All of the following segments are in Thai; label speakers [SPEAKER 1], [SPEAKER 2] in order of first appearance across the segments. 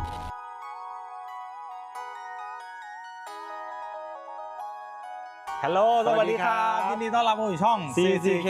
[SPEAKER 1] ฮัลโหลสวัสดีครับยินดีต้อนรับเข้าสู่ช่อง CCK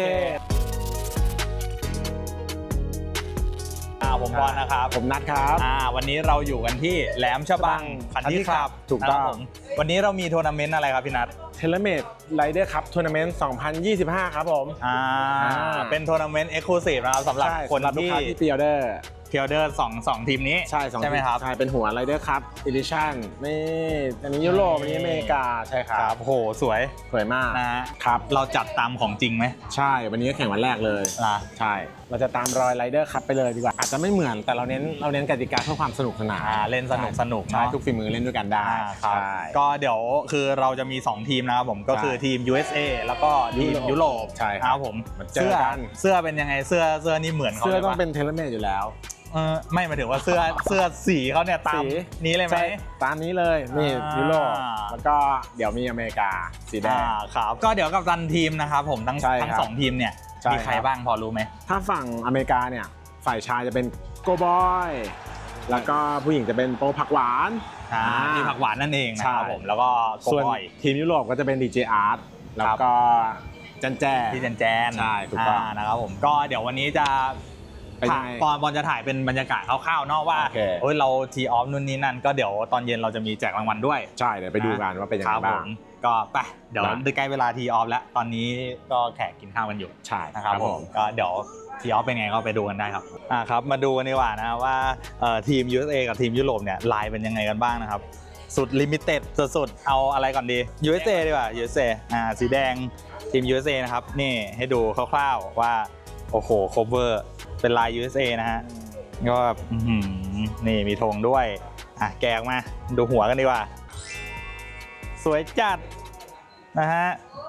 [SPEAKER 1] ผมบอลนะครับ
[SPEAKER 2] ผมนัทครับ
[SPEAKER 1] วันนี้เราอยู่กันที่แหลมฉบังคันที่ครับ
[SPEAKER 2] ถูกต้อง
[SPEAKER 1] วันนี้เรามีทัวร์นาเมนต์อะไรครับพี่นัท
[SPEAKER 2] เทเลเมดไรเดอร์คัพทัวร์นาเมนต์2025ครับผม
[SPEAKER 1] เป็นทัวร์นาเมนต์เอ็กซ์คลูซีฟนะครับสำหรับคนที่
[SPEAKER 2] พรีออเดอร์
[SPEAKER 1] 2ทีมนี้ใช่ไหมครับ
[SPEAKER 2] ใช่เป็นหัวไรเดอร์คัพอีดิชั่นนี่อันนี้ยุโรปอันนี้อเมริกาใช่ครับ
[SPEAKER 1] โหสวย
[SPEAKER 2] มาก
[SPEAKER 1] นะครับเราจัดตามของจริงไหม
[SPEAKER 2] ใช่วันนี้แข่งวันแรกเลยใช่เราจะตามรอยไรเดอร์คัพไปเลยดีกว่าอาจจะไม่เหมือนแต่เราเน้นกติกาเพื่อความสนุกสนาน
[SPEAKER 1] เล่นสนุก
[SPEAKER 2] ใช่ทุกฝีมือเล่นด้วยกันได้
[SPEAKER 1] ก็เดี๋ยวคือเราจะมี2ทีมนะครับผมก็คือทีม USA แล้วก็ทีมยุโรป
[SPEAKER 2] ใช่
[SPEAKER 1] ครับผมเสื้อเป็นยังไงเสื้อนี่เหมือนเขา
[SPEAKER 2] เสื้อต้องเป็นเทเลเมดอยู่แล้ว
[SPEAKER 1] ไม่หมายถึงว่าเสื้อสีเขาเนี่ยตามนี้เลยไหม
[SPEAKER 2] ตามนี้เลยนี่ยุโรปแล้วก็เดี๋ยวมีอเมริกาสีแดง
[SPEAKER 1] ครับก็เดี๋ยวกับตันทีมนะครับผมทั้ง2ทีมเนี่ยมีใครบ้างพอรู้ไหม
[SPEAKER 2] ถ้าฝั่งอเมริกาเนี่ยฝ่ายชายจะเป็นโกบอยแล้วก็ผู้หญิงจะเป็นโปผักหวาน
[SPEAKER 1] มีผักหวานนั่นเองนะครับผมแล้วก็โกบอย
[SPEAKER 2] ทีมยุโรปก็จะเป็นดีเจอาร์ตแล้วก็จันแจ
[SPEAKER 1] ที่จันแจน
[SPEAKER 2] ใช่ถูกต้อง
[SPEAKER 1] นะครับผมก็เดี๋ยววันนี้จะบอลจะถ่ายเป็นบรรยากาศคร่าวๆเนาะว่าเราทีออฟนู่นนี่นั่นก็เดี๋ยวตอนเย็นเราจะมีแจกรางวัลด้วย
[SPEAKER 2] ใช่เดี๋ยวไปดูกันว่าเป็นยังไงบ้าง
[SPEAKER 1] ก็ไปเดี๋ยวใกล้เวลาทีออฟแล้วตอนนี้ก็แขกกินข้าวกันอยู่
[SPEAKER 2] ใช่
[SPEAKER 1] นะครับผมก็เดี๋ยวทีออฟเป็นไงก็ไปดูกันได้ครับครับมาดูกันดีกว่านะว่าทีม USA กับทีมยุโรปเนี่ยลายเป็นยังไงกันบ้างนะครับสุดลิมิเต็ดสุดเอาอะไรก่อนดี USA ดีกว่า USA สีแดงทีม USA นะครับนี่ให้ดูคร่าวๆว่าโอ้โหโคเวอร์เป็นลาย USA นะฮะก็แบบนี่มีธงด้วยแกะออกมาดูหัวกันดีกว่าสวยจัดนะฮะ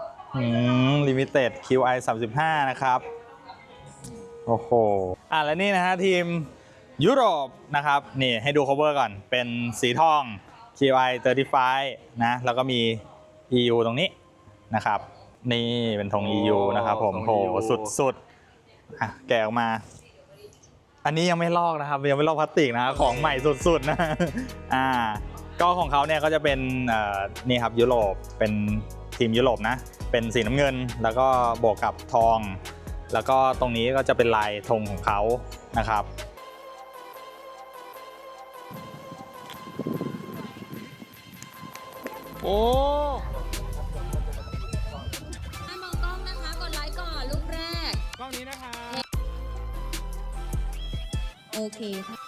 [SPEAKER 1] Limited QI 35นะครับโอ้โหแล้วนี่นะฮะทีมยุโรปนะครับนี่ให้ดู cover ก่อนเป็นสีทอง QI 35นะแล้วก็มี EU ตรงนี้นะครับนี่เป็นธง EU นะครับผมโหสุดแกะออกมาอันนี้ยังไม่ลอกนะครับยังไม่ลอกพลาสติกนะของใหม่สุดๆนะก็ของเขาเนี่ยก็จะเป็นนี่ครับยุโรปเป็นทีมยุโรปนะเป็นสีน้ำเงินแล้วก็บวกกับทองแล้วก็ตรงนี้ก็จะเป็นลายธงของเขานะครับ
[SPEAKER 2] โอ้
[SPEAKER 3] มองกล้องนะคะกดไลค์ก่อนรูปแรก
[SPEAKER 2] กล้องนี้นะคะ
[SPEAKER 3] โอเคค่ะ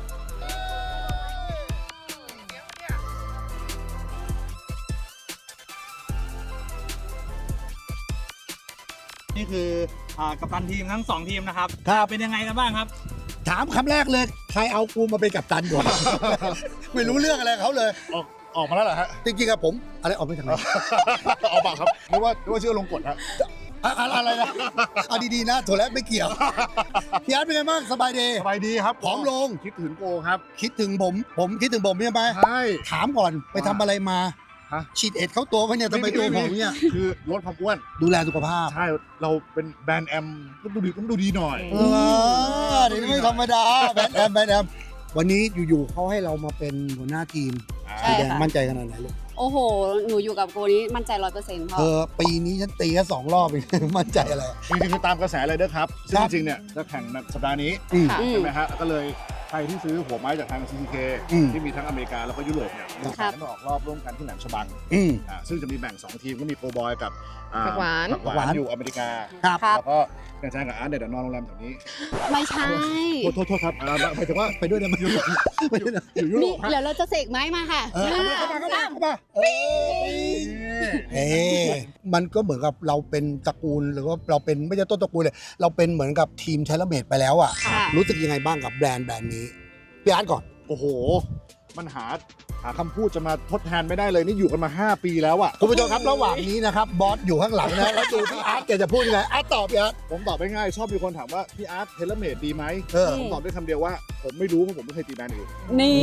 [SPEAKER 1] นี่คือกัปตันทีมทั้ง2ทีมนะครับเป็นยังไงกันบ้างครับ
[SPEAKER 4] ถามคำแรกเลยใครเอากูมาเป็นกัปตันก่อน ไม่รู้เรื่องอะไรเขาเลย
[SPEAKER 5] ออกมาแล้วเหรอฮะ
[SPEAKER 4] จริงๆครับผมอะไรออกไปทางไหน
[SPEAKER 5] เอาปากครับนึกว่าชื่อลงกฎฮะ
[SPEAKER 4] อะไรนะเอาดีๆนะโถแล้วไม่เกี่ยวพี่อาร์ตเป็นไงบ้างสบาย
[SPEAKER 5] ดีครับ
[SPEAKER 4] ผอมลง
[SPEAKER 5] คิดถึงโกครับ
[SPEAKER 4] คิดถึงผมคิดถึงผมใช่ไหม
[SPEAKER 5] ใช่
[SPEAKER 4] ถามก่อนไปทำอะไรมาฉีดเอ็ดเข้าตัวเขาเนี่ยทำไมตัวผมเนี่ย
[SPEAKER 5] คือลดความอ้วน
[SPEAKER 4] ดูแลสุขภาพ
[SPEAKER 5] ใช่เราเป็นแบรนด์แอมต้องดูดีหน่อย
[SPEAKER 4] เดี๋ยวไม่ธรรมดาแบรนด์แอมวันนี้อยู่ๆเขาให้เรามาเป็นหัวหน้าทีมสีแดงมั่นใจขนาดไหนลูก
[SPEAKER 3] โอ้โหหนูอยู่กับโกนี้มั่นใจ 100%พ่อ
[SPEAKER 4] ปีนี้ฉันตีแค่2 รอบเองมั่นใจอะไร
[SPEAKER 5] จริงๆคือตามกระแสเลยเด้อครับซึ่งจริงๆเนี่ยจะแข่งสัปดาห์นี้ใช่ไหมฮะก็เลยใครที่ซื้อหัวไม้จากทาง CCK ที่มีทั้งอเมริกาแล้วก็ยุโรปเนี่ยมีโอกาสได้มาออกรอบร่วมกันที่แหลมฉบังซึ่งจะมีแบ่ง2ทีมก็มีโกบอยกับ
[SPEAKER 3] ผักหว
[SPEAKER 5] านอยู่อเมริกาแล้วก็แข่งกับอาร์ตเดี๋ยวนอนโรงแรมแถวนี้
[SPEAKER 3] ไม่ใช่
[SPEAKER 5] โทษครับหมายถึงว่า
[SPEAKER 4] ไปด้วยนะอยู่ยุโรป
[SPEAKER 3] เดี๋ยวเราจะเสกไม้มาค่ะ
[SPEAKER 4] เข้ามามันก็เหมือนกับเราเป็นตระกูลหรือว่าเราเป็นไม่ใช่ต้นตระกูลเลยเราเป็นเหมือนกับทีมเทเลเมดไปแล้วอ่ะรู้สึกยังไงบ้างกับแบรนด์นี้พี่อาร์ตก่อน
[SPEAKER 5] โอ้โหมันหาคำพูดจะมาทดแทนไม่ได้เลยนี่อยู่กันมา5 ปีแล้วอ่ะ
[SPEAKER 4] คุณผู้ชมครับระหว่างนี้นะครับบอสอยู่ข้างหลังนะแล้วดูพี่อาร์ตแกจะพูดยังไงอาร์ตตอบพี่อาร์ต
[SPEAKER 5] ผมตอบง่ายๆชอบมีคนถามว่าพี่อาร์ตเทเลเมดดีไหมผมตอบด้วยคำเดียวว่าผมไม่รู้เพราะผมไม่เคยตีแบรนด์อื่น
[SPEAKER 3] นี่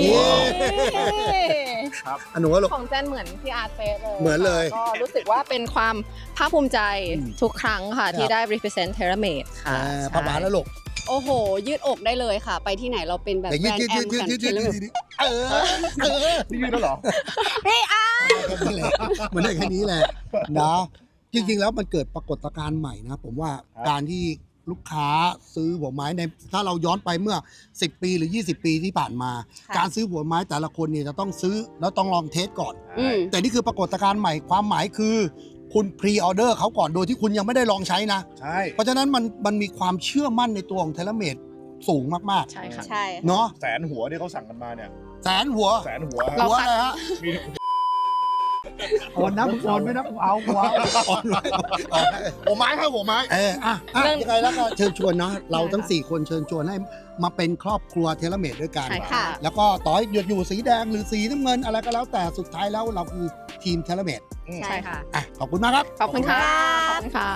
[SPEAKER 4] ครับหนูก็
[SPEAKER 6] ของแจนเหมือนพี่อาร์ตเป๊ะเลย
[SPEAKER 4] เหมือนเลย
[SPEAKER 6] ก็รู้สึกว่าเป็นความภาคภูมิใจทุกครั้งค่ะที่ได้ represent TaylorMade ค่ะ
[SPEAKER 4] ผักหวานแล้วลูก
[SPEAKER 7] โอ้โห ยืดอกได้เลยค่ะ ไปที่ไหนเราเป็นแบบ
[SPEAKER 4] แต่
[SPEAKER 7] แบ
[SPEAKER 4] ยื
[SPEAKER 7] ร
[SPEAKER 4] ด
[SPEAKER 7] น
[SPEAKER 4] ยืด
[SPEAKER 7] ด์แอ
[SPEAKER 4] ยื
[SPEAKER 7] ม
[SPEAKER 4] ดยืดยืด
[SPEAKER 7] กัน
[SPEAKER 4] ยืดยืดเออ
[SPEAKER 5] นี่ยืนแล้วเหรอ
[SPEAKER 4] นั่นแหละมันได้แค่นี้แหละนะจริงๆแล้วมันเกิดปรากฏการณ์ใหม่นะผมว่าการที่ลูกค้าซื้อหัวไม้ในถ้าเราย้อนไปเมื่อ10 ปีหรือ20 ปีที่ผ่านมา
[SPEAKER 7] ค่ะ
[SPEAKER 4] การซื้อหัวไม้แต่ละคนเนี่ยจะต้องซื้อแล้วต้องลองเทสก่อน
[SPEAKER 7] อืม
[SPEAKER 4] แต่นี่คือปรากฏการณ์ใหม่ความหมายคือคุณพรีออเดอร์เขาก่อนโดยที่คุณยังไม่ได้ลองใช้นะ
[SPEAKER 5] ใช่
[SPEAKER 4] เพราะฉะนั้นมันมีความเชื่อมั่นในตัวของเทเลเมดสูงมาก
[SPEAKER 6] ใช่ค่ะ
[SPEAKER 7] ใช่
[SPEAKER 4] ๆเนาะ
[SPEAKER 5] แสนหัวที่เขาสั่งกันมาเนี่ย
[SPEAKER 4] แสนหัว
[SPEAKER 5] แสนหัว
[SPEAKER 6] เรา
[SPEAKER 4] หัวอะไรฮะ
[SPEAKER 5] มี
[SPEAKER 4] อ่อนนะมึงอ่อนไม่นะกูเอาหัวอ่อนไว้อ่อนไว้
[SPEAKER 5] หัวไม้ครับหัวไม้
[SPEAKER 4] ยังไงแล้วก็เชิญชวนเนาะเราทั้ง 4 คนเชิญชวนให้มาเป็นครอบครัวเทเลเมดด้วยกัน
[SPEAKER 7] ใช่ค่ะ
[SPEAKER 4] แล้วก็ต่อให้อยู่สีแดงหรือสีน้ำเงินอะไรก็แล้วแต่สุดท้ายแล้วเราคือทีมเทเลเมด
[SPEAKER 7] ใช่ค่ะ
[SPEAKER 4] ขอบคุณมากครับ
[SPEAKER 6] ขอบคุณค่ะ ขอบคุณค่ะ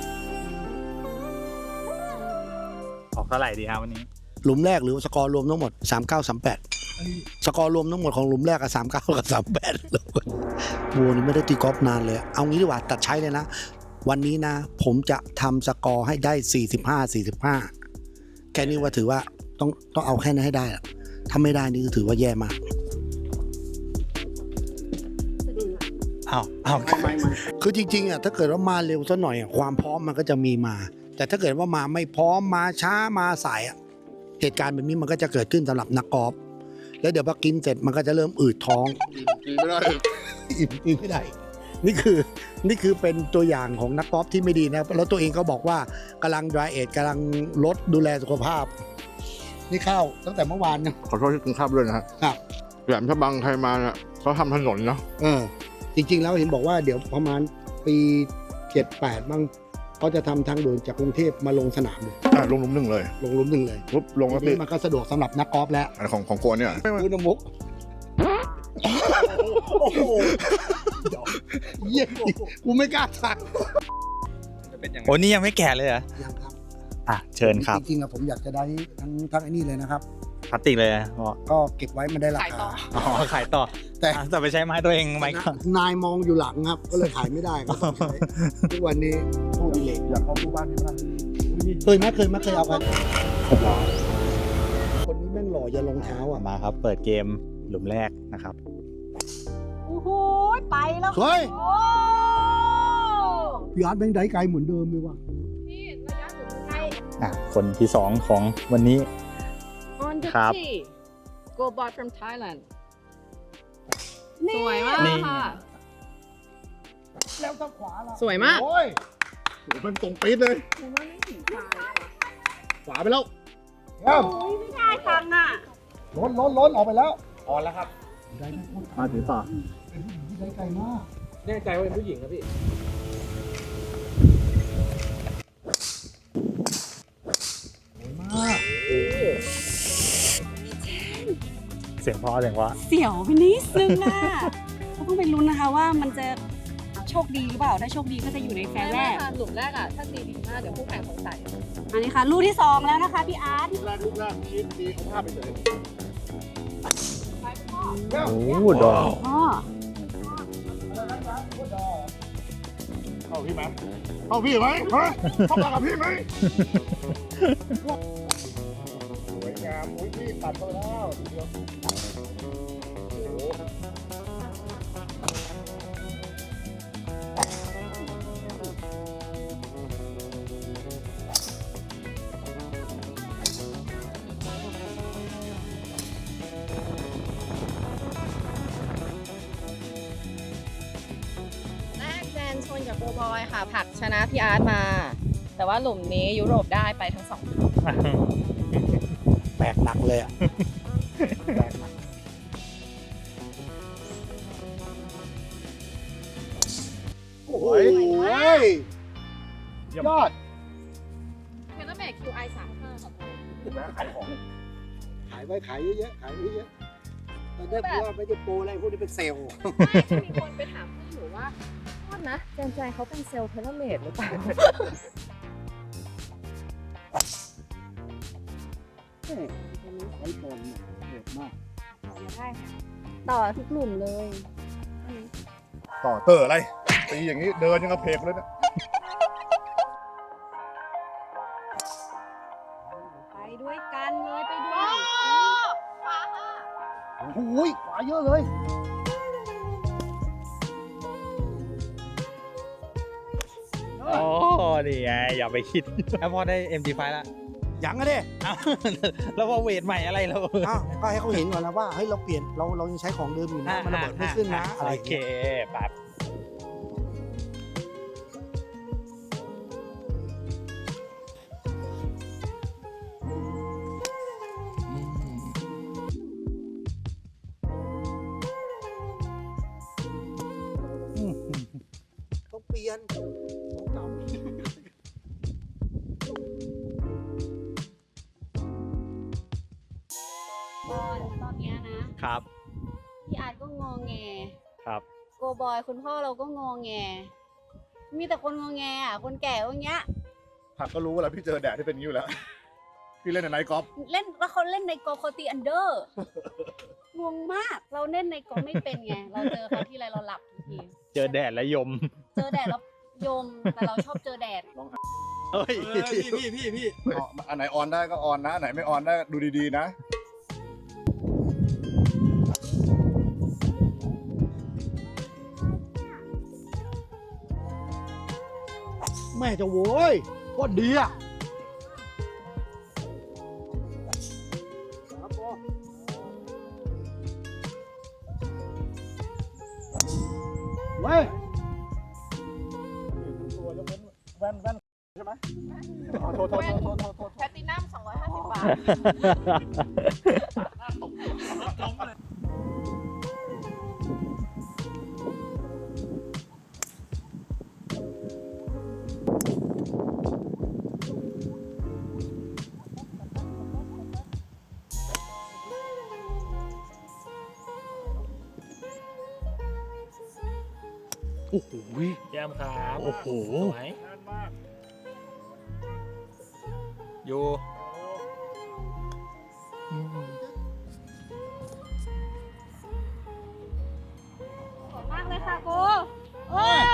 [SPEAKER 1] ออกเท่าไหร่ดีครับวันนี้
[SPEAKER 4] หลุมแรกหรือสกอร์รวมทั้งหมด 3938 สกอร์รวมทั้งหมดของหลุมแรกกับ39กับ38บัวนี่ไม่ได้ตีกอล์ฟนานเลย เอางี้ดีกว่าตัดใช้เลยนะ วันนี้นะ ผมจะทำสกอร์ให้ได้45แค่นี้ว่าถือว่าต้องเอาแค่นั้นให้ได้อะถ้าไม่ได้นี่ก็ถือว่าแย่มาก
[SPEAKER 1] เอา
[SPEAKER 4] คือจริงๆอ่ะถ้าเกิดว่ามาเร็วซะหน่อยอ่ะความพร้อมมันก็จะมีมา แต่ถ้าเกิดว่ามาไม่พร้อมมาช้ามาสายอ่ะเหตุการณ์แบบนี้มันก็จะเกิดขึ้นสำหรับนักกอล์ฟแล้วเดี๋ยวพอกินเสร็จมันก็จะเริ่มอืดท้อง
[SPEAKER 5] กินไม่ได้
[SPEAKER 4] อิ่มไม่ได้นี่คือเป็นตัวอย่างของนักกอล์ฟที่ไม่ดีนะแล้วตัวเองก็บอกว่ากำลัง dry age กำลังลดดูแลสุขภาพ นี่เข้าตั้งแต่เมื่อวานนะ
[SPEAKER 5] ขอโทษที่กินข้าวด้วยนะฮะ
[SPEAKER 4] ครับ
[SPEAKER 5] แหลมฉบังใครมาเนี่ยเขาทำถนนเนาะ
[SPEAKER 4] จริงๆแล้วเห็นบอกว่าเดี๋ยวประมาณปี 78บ้างเขาจะทำทางด่วนจากกรุงเทพมาลงสนามเลย
[SPEAKER 5] ลงหลุมหนึ่งเลย
[SPEAKER 4] ลงหลุมหนึ่งเลย
[SPEAKER 5] ปุ๊บลงแล้ว
[SPEAKER 4] ที
[SPEAKER 5] ติ
[SPEAKER 4] นี้มันก็สะดวกสำหรับนักกอล์ฟแล้ว
[SPEAKER 5] อันของโกนเนี่ย
[SPEAKER 4] คุณมุกโอ้โหเยี่ยกูไม่กล้าทัก
[SPEAKER 1] โอ้นี่ยังไม่แก่เลยเหรอ
[SPEAKER 4] ยังครับ
[SPEAKER 1] เชิญครับ
[SPEAKER 4] จริงๆอะผมอยากจะได้ทั้งไอ้นี่เลยนะครับ
[SPEAKER 1] พลาสติกเลยอะบอก
[SPEAKER 4] ก็เก็บไว้มันได้รา
[SPEAKER 6] ขายต่
[SPEAKER 4] คา
[SPEAKER 6] อ
[SPEAKER 1] อ๋อขายต่อ
[SPEAKER 4] แต่
[SPEAKER 1] แต่ไปใช้ไม้ตัวเองไม้ก่อน
[SPEAKER 4] นายมองอยู่หลังครับ ก็เลยขายไม่ได้ก็ต้องใช้ทุกวันนี้ผู้ดิเลก
[SPEAKER 5] อยากเข้าดูบ้านพี่บ้าง
[SPEAKER 4] เคยเอาไปคนนี้แม่งหล่ออย่าลงเท้าอ่ะ
[SPEAKER 1] มาครับ เปิดเกมหลุมแรกนะครับ
[SPEAKER 7] โอ้โห ไปแล้ว
[SPEAKER 4] เฮ้ย
[SPEAKER 7] โอ้
[SPEAKER 4] พี่อาร์ตแม่งได้ไกลเหมือนเดิมเลยว่ะ
[SPEAKER 7] พี่ระยะหนูใกล้
[SPEAKER 1] คนที่ 2 ของวันนี้
[SPEAKER 6] On the
[SPEAKER 1] ครับ
[SPEAKER 6] tee Go bot from Thailand
[SPEAKER 7] นี่
[SPEAKER 6] สวยมาก
[SPEAKER 1] นี่
[SPEAKER 6] ค่ะ
[SPEAKER 4] แล้วทางขวาล่ะ
[SPEAKER 6] สวยมาก
[SPEAKER 5] โอ้ยโหมันตรงปี๊ดเลยขวาไปแล้ว
[SPEAKER 7] ไม่ได้ฟังอ่ะ
[SPEAKER 4] ล้นออกไปแล้ว
[SPEAKER 2] ออนแล้วครับ
[SPEAKER 4] ได้ไม่พูด
[SPEAKER 1] มาถือต่อ
[SPEAKER 4] เป็นผู้หญิงที่ได้ไกลมาก
[SPEAKER 2] แน่ใจว่าเป็นผู้หญิงครับพี่
[SPEAKER 1] เสียงเพราะ
[SPEAKER 7] เสียวไปนิดนึงอ่ะก็ต้องไปลุ้นนะคะว่ามันจะโชคดีหรือเปล่า ถ้าโชคดีก็จะอยู่ในแฟร์แรก
[SPEAKER 6] หลุมแรกอ่ะ ถ้าตีดีมาก เดี๋ยวผู้แข่งสงสัย
[SPEAKER 7] อันนี้ค่ะ ลูกที่ 2 แล้วนะคะพี่อาร์ต
[SPEAKER 5] ลูกแรกตีเอาภาพไปเลย
[SPEAKER 1] โอ้ดอก
[SPEAKER 7] อ๋อ
[SPEAKER 5] เข้าพี่ไหมเข้าพี่ไหมฮะเข้ามากับพี่ไหมสวยงามอุ้ยพี่ตัดไปแล้วเดี๋ยวโอ้โห
[SPEAKER 6] แรกแจนชนกับโกบอยค่ะผลักชนะพี่อาร์ตมา แต่ว่าหลุมนี้ยุโรปได้ไปทั้งสอง
[SPEAKER 4] แบกหนักเลยอ่ะ แบกหนักโอ้ยยอด
[SPEAKER 6] เทเลเมต QI 35ค่ะ
[SPEAKER 5] ขายของ
[SPEAKER 4] ขายไว้ขายเยอะๆขายไว้เยอะตอนนี้กูว่าไม่ได้โปรอะไรพวกนี้เป็นเซลล์
[SPEAKER 6] มีคนไปถามพี่หนูว่าโทษนะแจนใจเขาเป็นเซลล์เทเลเมตหรือเปล่า
[SPEAKER 4] ตอนนี้ใช้บอลเนี่ยโหดมาก
[SPEAKER 7] ต่อทุกหลุมเลย
[SPEAKER 5] ต่อเตอร์อะไร ตีอย่างนี้เดินยังกระเพกเลยนะ
[SPEAKER 7] ด้วยกันเลยไปด้วย
[SPEAKER 5] โอ้โหขวาเยอะเลย
[SPEAKER 1] โอ้นี่ไงอย่าไปคิดแล้วพอได้ MG5 แล้ว
[SPEAKER 4] ยังอะเด้
[SPEAKER 1] อ้าวแล้วพอเวทใหม่อะไรเรา
[SPEAKER 4] อ้าวก็ให้เขาเห็นก่อนนะว่าเฮ้ยเราเปลี่ยนเรายังใช้ของเดิมอยู่นะมันระเบิดไม่ขึ้นนะอะไร
[SPEAKER 1] โอ
[SPEAKER 4] อย่าง
[SPEAKER 1] เค
[SPEAKER 4] เงี้ย
[SPEAKER 1] แบบ
[SPEAKER 4] ต้องเปลี่ยนของเก่า
[SPEAKER 7] ตอนเนี้ยนะครับ พี่อาร์ตก็งอแง
[SPEAKER 1] ครับ
[SPEAKER 7] โกบอยคุณพ่อเราก็งอแง มีแต่คนงอแงอ่ะคนแก่ก็อย่างเงี้ย
[SPEAKER 5] ผักก็รู้แล้วพี่เจอแดดที่เป็นอย่างนี้อยู่แล้ว พี่เล่นในไนท์กอล์ฟ
[SPEAKER 7] เล่นแล้วเขาเล่นในกอล์ฟเขาตีอันเดอร์ งงมากเราเล่นในกอล์ฟไม่เป็นไงเราเจอเขาที่ไรเราหลับทุกที
[SPEAKER 1] เจอแดดและยม
[SPEAKER 7] เจอแดดแล้วยมแต่เราชอบเจอแดด
[SPEAKER 1] เฮ้ย
[SPEAKER 5] อันไหนออนได้ก็ออนนะ อันไหนไม่ออนได้ดูดีๆนะ
[SPEAKER 4] แม่จะโว้ยโคตรดีอ่ะเว้ย
[SPEAKER 5] แว่นใช่ไหมโทษ
[SPEAKER 6] แพลตินัม250 บาท
[SPEAKER 4] โอ้โห
[SPEAKER 2] แย้มครับ
[SPEAKER 1] โอ้โห
[SPEAKER 2] สวย
[SPEAKER 1] อยู่
[SPEAKER 7] สวยมากเลยค่ะโกโอ้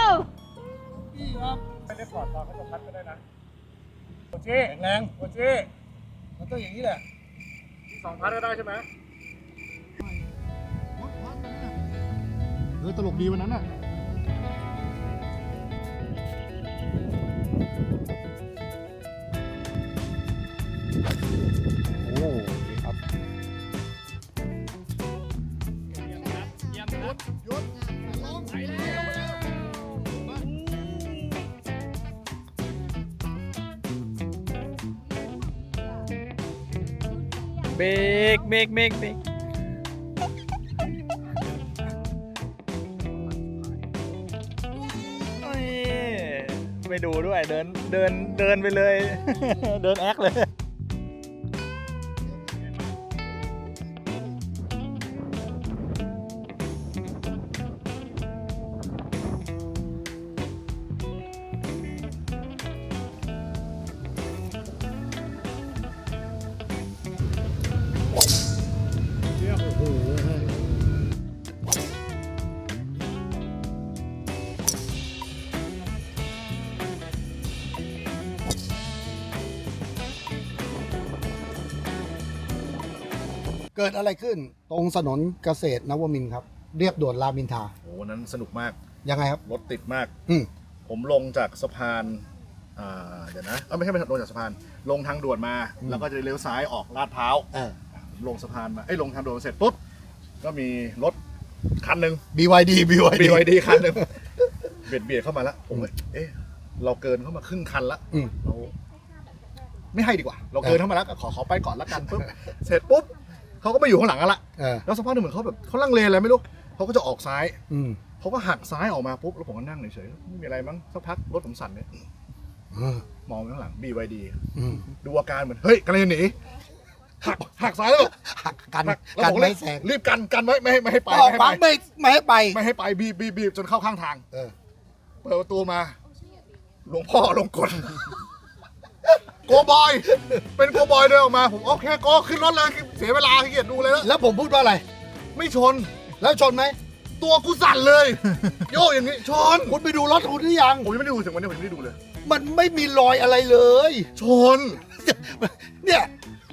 [SPEAKER 5] ไม่ได้ปลอดตอนเขาจะพัดก็ได้นะโอเจ้แข็งแรงโอเจ้มันต้องอย่างนี้แหละที่2 พัดก็ได้ใช่ไหมตลกดีวันนั้นน่ะ
[SPEAKER 1] โอ้ครับ เบรกเบรกเบรกเบรกไม่ดูด้วยเดินไปเลย เดินแอคเลย
[SPEAKER 4] เกิดอะไรขึ้นตรงถนนเกษตรนวมินทร์ครับ เรียบด่วนรามอินทรา
[SPEAKER 5] โอ้วันนั้นสนุกมาก
[SPEAKER 4] ยังไงครับ
[SPEAKER 5] รถติดมาก
[SPEAKER 4] อืม
[SPEAKER 5] ผมลงจากสะพานเดี๋ยวนะไม่ใช่ลงจากสะพาน ลงทางด่วนมา แล้วก็จะเลี้ยวซ้ายออกลาดพร้าว ผมลงสะพานมาลงทางด่วนเสร็จปุ๊บ ก็มีรถคันหนึ่ง
[SPEAKER 4] BYD
[SPEAKER 5] BYD คันหนึ่งเบียดเข้ามาแล้ว ผมเลยเราเกินเข้ามาครึ่งคันละ
[SPEAKER 4] อืม
[SPEAKER 5] เราไม่ให้ดีกว่า เราเกินเข้ามาแล้วก็ขอไปก่อนละกันปุ๊บ เสร็จปุ๊บเขาก็ไปอยู่ข้างหลังกันละ แล้วสักพักหนึ่งเหมือนเขาแบบเขาลังเลอะไรไม่รู้เขาก็จะออกซ้าย
[SPEAKER 4] อืม
[SPEAKER 5] เขาก็หักซ้ายออกมาปุ๊บแล้วผมก็นั่งเฉยๆไม่มีอะไรมั้งสักพักรถผมสั่นเนี่ยมองไปข้างหลัง BYD ดูอาการเหมือนเฮ้ยกำลังจะหนีหักซ้ายแล้ว
[SPEAKER 4] หักกัน
[SPEAKER 5] แล้ว
[SPEAKER 4] กัน
[SPEAKER 5] ผม
[SPEAKER 4] ไม่
[SPEAKER 5] เลย
[SPEAKER 4] แซง
[SPEAKER 5] รีบกันไว้ไม่ให้ไป
[SPEAKER 4] ออกขวางไม่ให้ไป
[SPEAKER 5] ไม่ให้ไปบีบจนเข้าข้างทาง เปิดประตูมาหลวงพ่อลงกลโกบอยเป็นโกบอยเดินออกมาผมโอเคโกขึ้นรถเลยเสียเวลาขี้เกียจดูเลยแล้ว
[SPEAKER 4] แล้วผมพูดว่าอะไร
[SPEAKER 5] ไม่ชน
[SPEAKER 4] แล้วชนไหม
[SPEAKER 5] ตัวกูสั่นเลย โยกอย่างนี้ชน
[SPEAKER 4] คุณไปดูรถคุณหรือยัง
[SPEAKER 5] ผมยังไม่ได้ดูถึงวันนี้ผมยังไม่ได้ดูเลย
[SPEAKER 4] มันไม่มีรอยอะไรเลย
[SPEAKER 5] ชน
[SPEAKER 4] เนี่ย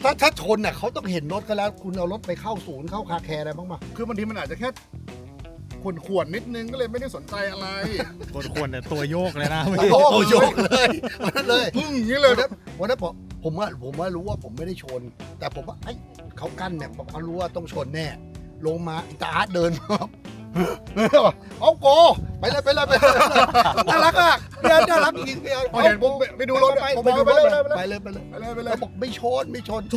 [SPEAKER 4] ถ้าชนน่ะเขาต้องเห็นรถก็แล้ว คุณเอารถไปเข้าศูนย์เข้าคาแคร์อะไรบ้างปะ
[SPEAKER 5] คือบางทีมันอาจจะแค่ขวนๆนิดนึงก็เลยไม่ได้สนใจอะไร
[SPEAKER 1] คนเนี่ยตัวโยกเลยนะ
[SPEAKER 4] โอ้โยกเลยวันนั้นเลย
[SPEAKER 5] พึ่งอย่างนี้เลยนะ
[SPEAKER 4] วันนั้นผมว่ารู้ว่าผมไม่ได้ชน แต่ผมว่าไอ้เขากั้นเนี่ยผมเขารู้ว่าต้องชนแน่ ลงมาอิตาอาร์ตเดินมาเอาโกไปเลยน่ารักอ่ะพี่อาร์ตน่ารักจริงพี่อาร์ต
[SPEAKER 5] พอเห็นผมไปดูรถ
[SPEAKER 4] ไปดูรถ
[SPEAKER 5] ไป
[SPEAKER 4] ไป
[SPEAKER 5] เล
[SPEAKER 4] เลย ยบอกไม่ชน
[SPEAKER 5] ชนโก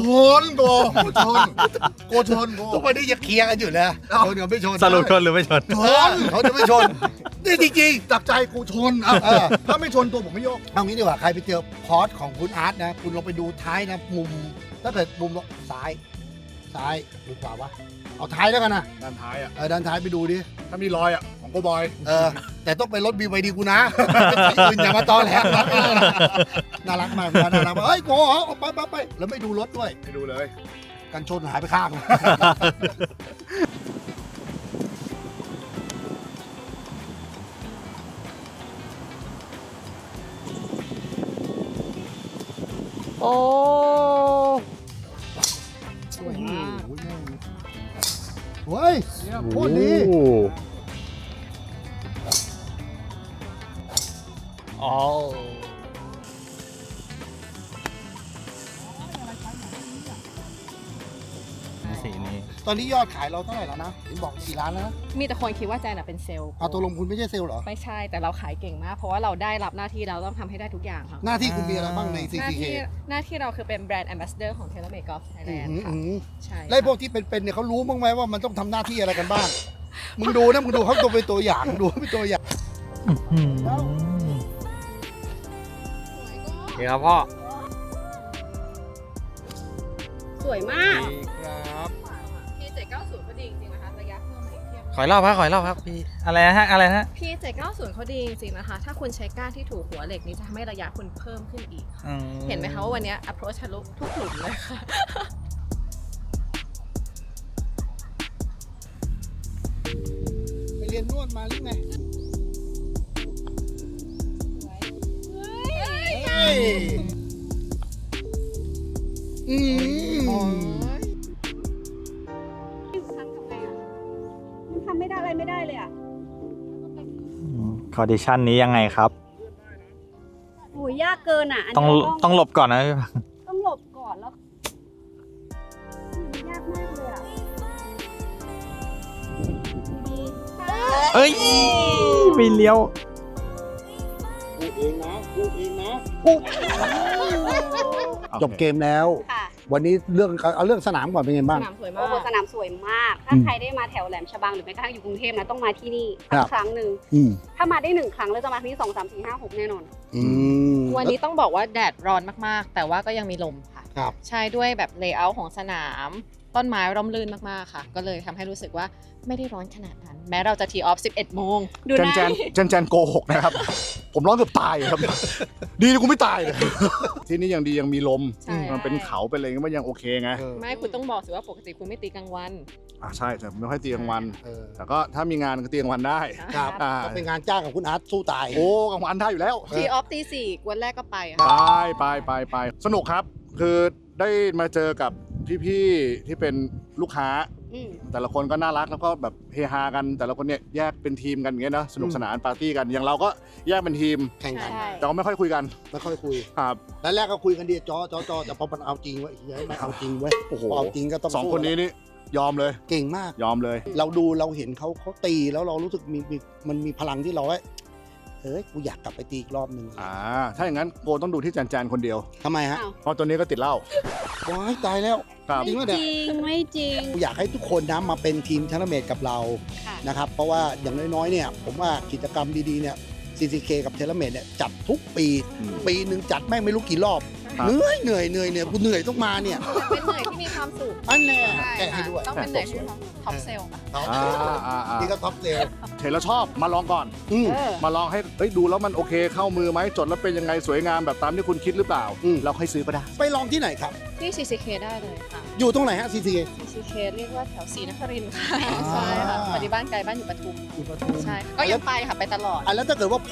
[SPEAKER 5] ชน
[SPEAKER 4] ทุกวันนี้ยังเคลียร์กันอยู่นะชนกับไม่ชน
[SPEAKER 1] สรุปชนหรือไม่ชน
[SPEAKER 4] ชนเขาจะไม่ชนนี่จริง
[SPEAKER 5] จับใจกูชนถ้าไม่ชนตัวผมไม่โยก
[SPEAKER 4] ๆเอางี้ดีกว่าใครไปเจอพอร์ตของคุณอาร์ตนะคุณลองไปดูท้ายนะมุมถ้าเกิดมุมซ้ายหรือขวาวะเอาท้ายแล้วกันนะ
[SPEAKER 5] ด้านท้ายอ่ะ
[SPEAKER 4] ด้านท้ายไปดูดิ
[SPEAKER 5] ถ้ามีรอยอ่ะของโกบอย
[SPEAKER 4] แต่ต้องเป็นรถ BYD กูนะคุณอย่ามาตอแหลน่ารักมากน่ารักมากเฮ้ยโกไปแล้วไม่ดูรถด้วย
[SPEAKER 5] ไปดูเลย
[SPEAKER 4] กันชนหายไปข้าง
[SPEAKER 2] โอ้
[SPEAKER 4] สวยมากเฮ้ยโคตรดี
[SPEAKER 1] อ๋อสีนี้
[SPEAKER 4] ตอนนี้ยอดขายเราเท่าไหร่แล้วนะเห็นบอก4 ล้านแล้วนะ
[SPEAKER 6] มีแต่คนคิดว่าแจนเป็นเซลล์
[SPEAKER 4] เอาตัวลงคุณไม่ใช่เซลล์เหรอ
[SPEAKER 6] ไม่ใช่แต่เราขายเก่งมาก เพราะว่าเราได้รับหน้าที่เราต้องทำให้ได้ทุกอย่างค่ะ
[SPEAKER 4] หน้าที่คุณมีอะไรบ้างใน
[SPEAKER 6] หน้า
[SPEAKER 4] CCK
[SPEAKER 6] ที่เราคือเป็นแบรนด์แอมบาสเดอร์ของ TaylorMade Golf Thailand ค่ะใช่
[SPEAKER 4] ไล่พวกที่เป็นเนี่ยเขารู้บ้างไหมว่ามันต้องทำหน้าที่อะไรกันบ้าง มึงดูเขาตัวเป็นตัวอย่างดูเป็นตัวอย่าง
[SPEAKER 2] โอเคครับพ่อ
[SPEAKER 7] สวยมาก
[SPEAKER 2] ครับ
[SPEAKER 6] P790เขาดีจริงๆนะคะระยะเพิ่มเทียบ
[SPEAKER 1] ขอยรอบครับพี่อะไรนะฮะ
[SPEAKER 6] P790เขาดีจริงๆนะคะ ถ้าคุณใช้ก้านที่ถูกหัวเหล็กนี้จะทำให้ระยะคุณเพิ่มขึ้นอีกค่ะเห็นไหมคะว่าวันนี้ approach ทะลุทุกหลุมเลยค่ะ
[SPEAKER 4] ไปเรียนนวดมาหรือไงอืม
[SPEAKER 7] ทำไม่ได้อะไรไม่ได้เลยอ่ะ
[SPEAKER 1] คอดิชันนี้ยังไงครับ
[SPEAKER 7] โอ้ยยากเกินอ่ะอัน
[SPEAKER 1] ต้อง
[SPEAKER 7] นี้
[SPEAKER 1] ต้องหลบก่อนนะ
[SPEAKER 7] ต้องหลบก่อนแล้วยากมากเลยอ่ะดี
[SPEAKER 1] เอ้ยมีเลี้ยว
[SPEAKER 4] พูดเองนะจบเกมแล้ว
[SPEAKER 7] ค่ะ
[SPEAKER 4] วันนี้เอาเรื่องสนามก่อนเป็นไงบ้าง
[SPEAKER 6] สนามสวยมา
[SPEAKER 7] โอ้โห
[SPEAKER 6] ก
[SPEAKER 7] สนามสวยมาก ถ้าใครได้มาแถวแหลมฉบังหรือแม้กระทั่งอยู่กรุงเทพนะต้องมาที่นี่
[SPEAKER 4] ครั
[SPEAKER 7] สั
[SPEAKER 4] บ
[SPEAKER 7] กครั้งหนึ่ง
[SPEAKER 4] อืม
[SPEAKER 7] ถ้ามาได้1 ครั้งแล้วจะมาที่นี่2 3 4 5 6แน่นอน
[SPEAKER 4] อืม
[SPEAKER 6] วันนี้ต้องบอกว่าแดดร้อนมากๆ แต่ว่าก็ยังมีลมค่ะ
[SPEAKER 4] ครับ
[SPEAKER 6] ใช่ด้วยแบบเลเยอร์ของสนาม ต้นไม้ร่มรื่นมากๆค่ะ ก็เลยทำให้รู้สึกว่าไม่ได้ร้อนขนาดนั้น แม้เราจะทีออฟ 11 โมง ดูนะ
[SPEAKER 5] แจนโกหกนะครับ ผมร้องเกือบตายครับ ดีนะกูไม่ตายเลย ที่นี่ยังดียังมีลม
[SPEAKER 6] ใช่
[SPEAKER 5] มันเป็นเขาเป็นอะไรก็มันยังโอเคไง
[SPEAKER 6] ไม่คุณต้องบอกสิว่าปกติคุณไม่ตีกลางวัน
[SPEAKER 5] ใช่แต่ผมไม่ค่อยตีกลางวัน
[SPEAKER 4] เออ
[SPEAKER 5] แต่ก็ถ้ามีงานก็ตีกลางวันได้
[SPEAKER 4] ครับ
[SPEAKER 5] อ่า
[SPEAKER 4] ก็เป็นงานจ้างของคุณอาร์ตสู้ตาย
[SPEAKER 5] โอ้กลางวันได้อยู่แล้ว
[SPEAKER 6] ทีออฟตี 4 วันแรกก็ไป
[SPEAKER 5] ไป
[SPEAKER 6] ค่ะ
[SPEAKER 5] ไปสนุกครับ คือได้มาเจอกับพี่ๆที่เป็นลูกค้า
[SPEAKER 7] อืม
[SPEAKER 5] แต่ละคนก็น่ารักแล้วก็แบบเฮฮากัน แต่ละคนเนี่ยแยกเป็นทีมกันอย่างเงี้ยนะสนุกสนานปาร์ตี้กันอย่างเราก็แยกเป็นทีม
[SPEAKER 4] แข่งกัน
[SPEAKER 6] ใช่
[SPEAKER 5] แต่ก็ไม่ค่อยคุยกัน
[SPEAKER 4] ไม่ค่อยคุย
[SPEAKER 5] ครับ
[SPEAKER 4] แล้วแรกก็คุยกันดีจอแต่พอมันเอาจริงเว้ยไม่เอาจริงเว้ย
[SPEAKER 5] โอ้โห
[SPEAKER 4] พอเอาจริงก็ต้อง
[SPEAKER 5] สอง
[SPEAKER 4] สู้
[SPEAKER 5] คนนี้นี่ยอมเลย
[SPEAKER 4] เก่งมาก
[SPEAKER 5] ยอมเลย
[SPEAKER 4] เราเห็นเขาตีแล้วเรารู้สึกมันมีพลังที่เรากูอยากกลับไปตีอีกรอบหนึ่ง
[SPEAKER 5] ถ้าอย่างนั้นโกต้องดูที่แจนคนเดียว
[SPEAKER 4] ทำไมฮะ
[SPEAKER 7] อ้าว
[SPEAKER 5] เพราะตัวนี้ก็ติดเหล้า
[SPEAKER 4] ว้ายตายแล้ว
[SPEAKER 5] ครับ
[SPEAKER 4] จริงปะเนี่ย
[SPEAKER 7] ไม่จริง
[SPEAKER 4] อยากให้ทุกคนนะมาเป็นทีมทันเมตกับเรา
[SPEAKER 7] ค่ะ
[SPEAKER 4] นะครับเพราะว่าอย่างน้อยๆเนี่ยผมว่ากิจกรรมดีๆเนี่ย CCK กับเทเลเมตเนี่ยจัดทุกปี ปีหนึ่งจัดแม่งไม่รู้กี่รอบ
[SPEAKER 5] ครับ
[SPEAKER 4] เหนื่อยกูเหนื่อยต้องมาเนี่ย
[SPEAKER 6] เป็นเหนื่อยที่มีความสุข
[SPEAKER 4] อันแน่
[SPEAKER 6] ใช่
[SPEAKER 4] แกะให้ด้วย
[SPEAKER 6] ต้องเป็นเหนื่อยที่มีความสุขท็อปเซลล์ค่ะ
[SPEAKER 4] นี่ก็ท็อปเซล
[SPEAKER 5] เห็นแล้วชอบมาลองก่อน มาลองให้ดูแล้วมันโอเคเข้ามือไหมจดแล้วเป็นยังไงสวยงามแบบตามที่คุณคิดหรือเปล่าเราค่อยซื้อก็ได้
[SPEAKER 4] ไปลองที่ไหนครับ
[SPEAKER 6] ที่ CCK ได้เลยค่ะ
[SPEAKER 4] อยู่ตรงไหนฮะ CCK
[SPEAKER 6] CCK เรียกว่าแถวศรีนครินทร์ค่ะ
[SPEAKER 4] อ่า
[SPEAKER 6] ใช่ค่ะปฏิบ้านไกลบ้านอยู่ปทุม
[SPEAKER 4] อยู่ปทุม
[SPEAKER 6] ใช่ก็ยังไปค่ะไปตลอด
[SPEAKER 4] แล้วถ้าเกิดว่าผม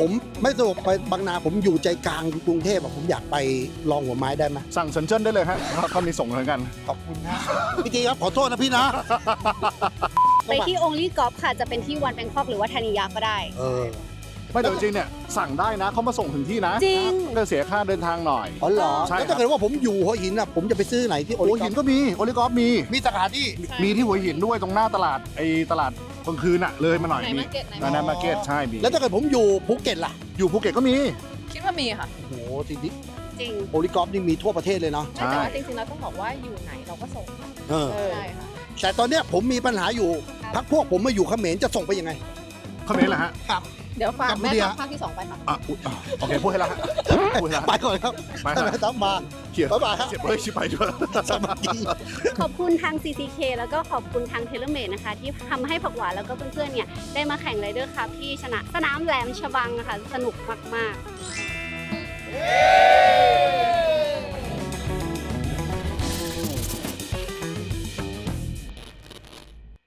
[SPEAKER 4] ไม่สะดวกไปบางนาผมอยู่ใจกลางกรุงเทพอะผมอยากไปลองหัวไม้ได้ไหม
[SPEAKER 5] สั่งเซินเจิ้นได้เลยฮะเขามีส่งเหมือนกัน
[SPEAKER 4] ขอบคุณนะพี่จีครับขอโทษนะพี่นะ
[SPEAKER 7] ไปที่ Only Golf ค่ะ จะเป็นที่วันแบงคอกหรือว่าธานิยาก็ได้
[SPEAKER 5] ไม่แต่จริงๆเนี่ยสั่งได้นะเขามาส่งถึงที่นะ
[SPEAKER 7] จริง
[SPEAKER 5] ก็เสียค่าเดินทางหน่อย
[SPEAKER 4] อ๋อเหรอ
[SPEAKER 5] ใช่
[SPEAKER 4] แล้วถ้าเกิดว่าผมอยู่หัวหินอะผมจะไปซื้อไหนที่โอ
[SPEAKER 5] หั
[SPEAKER 4] ลิ
[SPEAKER 5] วหินก็มีโอลิกอล์ฟมี
[SPEAKER 4] มีสถานที่
[SPEAKER 5] มีที่หัวหินด้วยตรงหน้าตลาดตลาดกลางคืนอะเลยมาหน่อย
[SPEAKER 6] ไหน
[SPEAKER 5] มี
[SPEAKER 6] มาร์เก็ตไหน
[SPEAKER 5] นานามาร์เก็ตใช่มี
[SPEAKER 4] แล้วถ้าเกิดผมอยู่ภูเก็ตล่ะ
[SPEAKER 5] อยู่ภูเก็ตก็มี
[SPEAKER 6] คิดว่ามีค่ะ
[SPEAKER 4] โอ้โหทีนี้
[SPEAKER 7] จริง
[SPEAKER 4] โอลิกอล์ฟนี่มีทั่วประเทศเลยเนาะ
[SPEAKER 5] ใช่
[SPEAKER 6] แต่ว่าจริงๆเราต้องบอกว่าอยู่ไหนเราก็ส่งค่ะ
[SPEAKER 4] เออ
[SPEAKER 6] ใช่ค่ะ
[SPEAKER 4] แต่ตอนเนี้ยผมมีปัญหาอยู่พักพวกผมมาอยู่เขมรจะส่งไปยังไง
[SPEAKER 5] คอมเมนต์เหรอฮะ
[SPEAKER 4] ครับ
[SPEAKER 6] เดี๋ยวฝาก
[SPEAKER 4] กัมพู
[SPEAKER 6] แม่
[SPEAKER 4] เดีย
[SPEAKER 6] ทัพภาคที่ 2 ไปค่ะ
[SPEAKER 5] อ่ะอุ๊ยอ่ะโอเคพูดให้ละฮะพูดให้ละ
[SPEAKER 4] ไปก่อนครับ
[SPEAKER 5] ไป
[SPEAKER 4] ท่าน
[SPEAKER 5] ฮะ
[SPEAKER 4] แม่ทัพมา
[SPEAKER 5] เขียน
[SPEAKER 4] บ๊ายบายครับ
[SPEAKER 5] เขียนเฮ้ยชิบไปด้วย
[SPEAKER 4] สวัสดี
[SPEAKER 7] ขอบคุณทาง CCK แล้วก็ขอบคุณทาง TaylorMade นะคะ ที่ทำให้ผักหวานแล้วก็เพื่อนๆเนี่ยได้มาแข่งไรเดอร์คัพที่สนามแหลมฉบังนะคะสนุกมากๆ